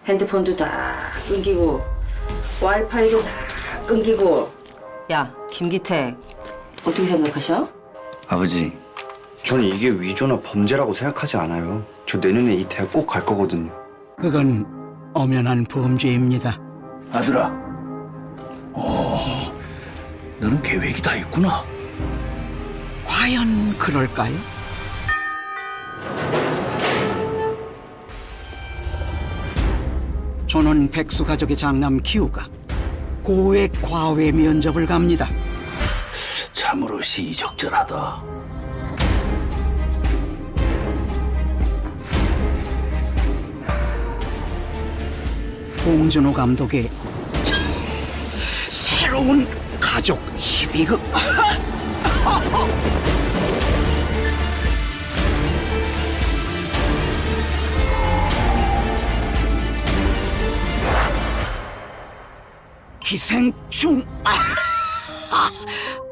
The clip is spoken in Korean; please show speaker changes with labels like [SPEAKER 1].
[SPEAKER 1] 핸드폰도 다 끊기고 와이파이도 다 끊기고. 야, 김기택, 어떻게 생각하셔?
[SPEAKER 2] 아버지, 저는 이게 위조나 범죄라고 생각하지 않아요. 저 내년에 이 대학 꼭 갈 거거든요.
[SPEAKER 3] 그건 엄연한 범죄입니다.
[SPEAKER 4] 아들아, 너는 계획이 다 있구나.
[SPEAKER 3] 과연 그럴까요? 저는 백수 가족의 장남 기우가 고액 과외 면접을 갑니다.
[SPEAKER 4] 참으로 시의적절하다.
[SPEAKER 3] 봉준호 감독의 새로운 가족 희비극. 기생충.